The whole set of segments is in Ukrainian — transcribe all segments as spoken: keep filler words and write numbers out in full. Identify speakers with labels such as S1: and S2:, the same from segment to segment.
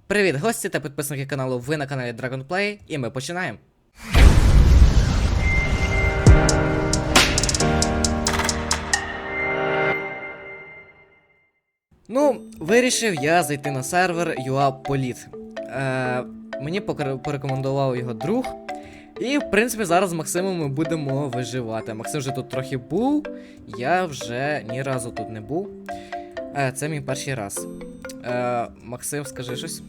S1: Привіт, гості та підписники каналу. Ви на каналі DragonPlay, і ми починаємо. Ну, вирішив я зайти на сервер ю ей Polit. Е, мені порекомендував його друг. І, в принципі, зараз з Максимом ми будемо виживати. Максим вже тут трохи був, я вже ні разу тут не був. Е, це мій перший раз. Е, Максим, скажи щось.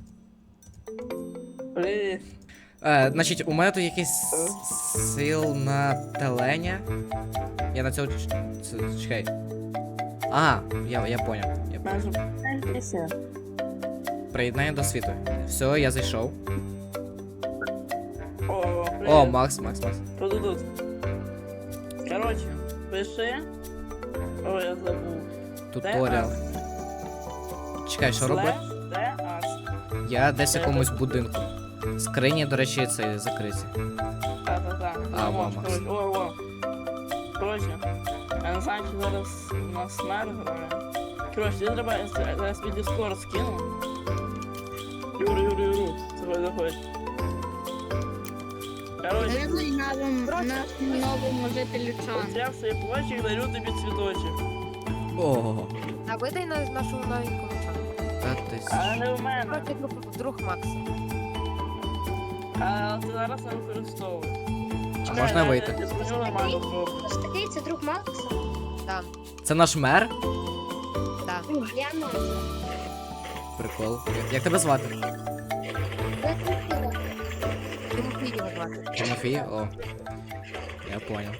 S2: Привіт.
S1: Е, значить, у мене тут якийсь сил на телення. Я на цього ч- чекай. Ага, я, я поняв. Я поняв. Приєднання до світу. Все, я зайшов.
S2: О, привіт.
S1: О, Макс, Макс, Макс.
S2: Тут, тут. Короче, пиши. О, я забув.
S1: Туторіал. Чекай, що робити?
S2: Де аж.
S1: Я десь в якомусь будинку. Скрині, до речі, це закриті.
S2: Та-та-та.
S1: А,
S2: О,
S1: во, Макс.
S2: коротше, О, о. Короче, я не знаю, чи зараз у нас мер грає. Короче, я треба, я зараз під Discord скину. Юру, Юру, Юру. Заходь, заходь. Короче,
S3: Дорогой новому, нашому новому жителю Чан.
S2: я в цей площик дарю тобі цвіточок.
S1: Ого.
S4: А видай на нашого новенького чану.
S1: Та ти
S2: Але не в мене.
S4: Коротше, друг, друг Макса.
S2: А ти зараз не використовуєш.
S1: А можна вийти?
S2: Я дзвоню нормально трохи.
S3: Ось такий це друг Макса.
S4: Да,
S1: Це наш мер?
S4: да.
S3: Я Макса.
S1: Прикол. Як тебе звати?
S4: Тимофій його звати.
S1: Тимофій? О. Я понял.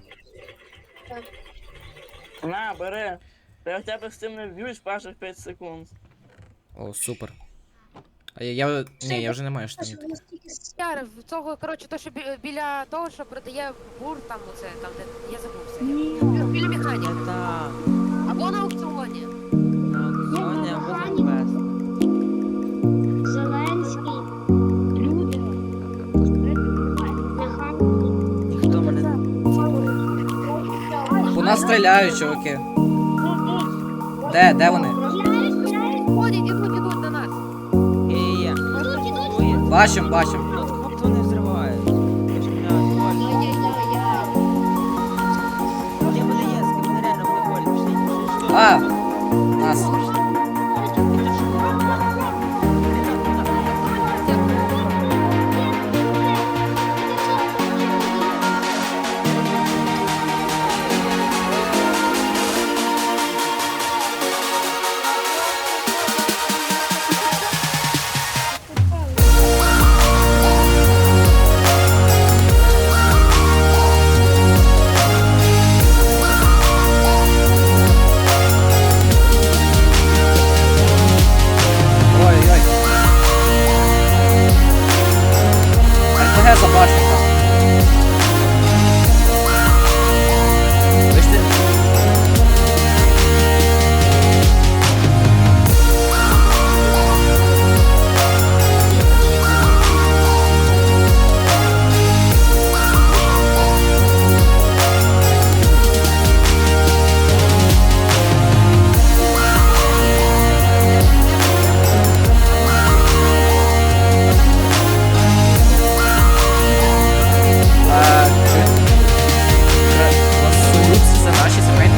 S2: На, бери. Я хоча б з цим не вб'юсь перших п'ять секунд.
S1: О, супер. А я, я... Ні, я вже не маю штанів.
S4: Я в цього, коротше, то, що бі- біля того, що продає бур, там оце, там, де я забувся. Я- Біля механіка.
S5: Так,
S4: Або на аукціоні.
S5: Соня або Вест.
S3: Зеленський. Люди.
S5: Ніхто мене не...
S1: У нас стріляють, чуваки. Де? Де вони?
S4: Ходять, ідуть, ідуть на нас.
S5: Є-є-є. Ой,
S1: Бачим, бачим.
S5: ну от вони взривають. Я ж не знаю, Де вони є? З ким вони реально в полі? Пішли, пішли, пішли.
S1: А! Нас. Ой-ой. РПГ забачив там. Ви ж ти... А, чи... У вас солюбці це наші сімейні?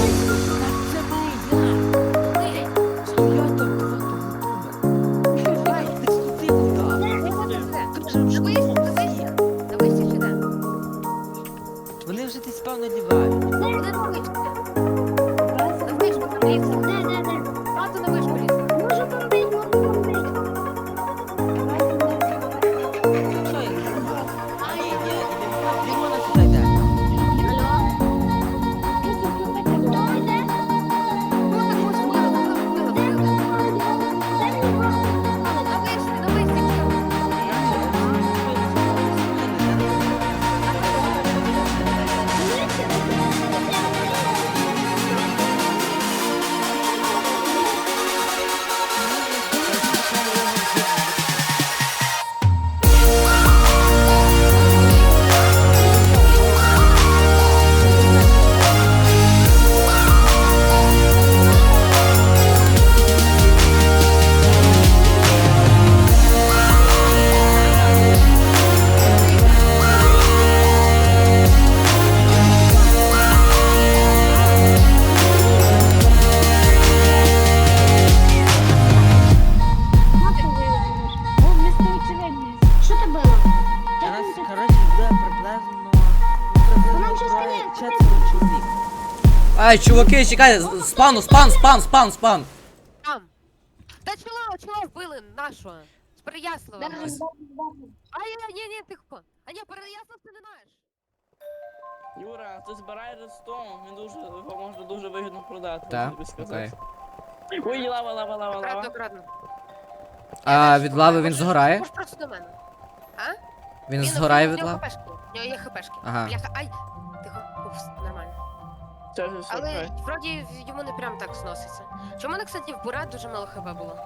S5: Стоять там два того дуба. Ти сюди куди?
S4: На висі чи де?
S5: Вони вже десь певно лівають.
S4: Вони на вишку. На вишку там лізуть. Тато на вишку лізуть.
S3: Може бомбить, може бомбить.
S5: Що їх взривають? А ні, ні, ні, він вона сюди йде.
S3: Алло? Хто йде?
S4: Ну, так ось вилазили, вилазили. На вишку, на вишку.
S1: Ай, чуваки, чекай, з- спану, спан, спан, спан, спан.
S4: Там. Та чого, чого вбили нашого? З Переяслава.
S3: Да,
S4: А,
S3: да, да.
S4: ні, ні, ні, тихо. А ні, Переяслав ти не знаєш.
S2: Юра, ти збирай редстоун, він дуже, його можна дуже вигідно продати.
S1: Так,
S2: тобі сказати.
S1: окей.
S2: Ой, лава, лава, лава,
S4: Акуратно,
S2: лава.
S4: акуратно.
S1: А від лави він згорає?
S4: Можеш просто до мене. А?
S1: Він згорає
S4: в
S1: від
S4: нього
S1: лави?
S4: хпшки. У нього є хпшки.
S1: Ага.
S4: Бляха, ай. Тихо, упс, нормально.
S2: Все, все, все,
S4: Але
S2: окей.
S4: вроді йому не прям так зноситься. Чому мене, кстати, в Бура дуже мало хп було?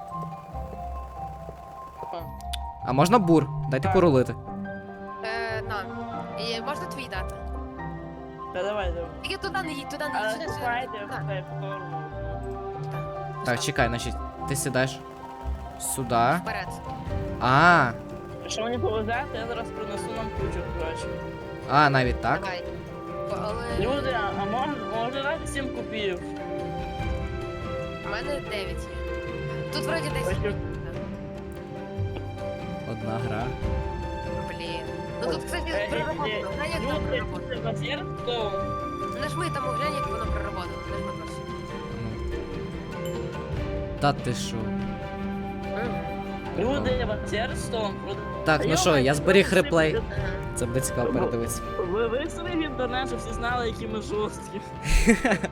S2: Опа.
S1: А можна бур? Дайте порулити.
S4: Е, на. І можна твій дати.
S2: Та давай, давай.
S4: Тільки туди не їдь, туди не
S2: Але
S4: їдь. сюди,
S2: слухайте,
S4: сюди.
S2: в сторону.
S1: Так, чекай, значить, ти сідаєш сюди.
S4: Вперед.
S1: А,
S2: Якщо мені повезе, то я зараз принесу нам кучу, коротше.
S1: а, навіть так.
S4: Давай. Але
S2: Люди, а, а можна, можна дати сім купів?
S4: у мене дев'ять є. Тут вроді десять.
S2: Бачу.
S1: Одна гра.
S4: Блін. Ну тут, кстати,
S2: Е,
S4: проработано.
S2: е,
S4: Глянь, як воно
S2: Люди,
S4: проработано.
S2: у вас є редстоун?
S4: Нажми там, глянь, як воно проработано. Нажми просто.
S1: Ну. Та ти що?
S4: Мгм.
S2: Люди, у вас є редстоун?
S1: Так, ну що, я зберіг реплей. Це буде цікаво передивитися.
S2: Ви висунули в інтернет, щоб всі знали, які ми жорсткі.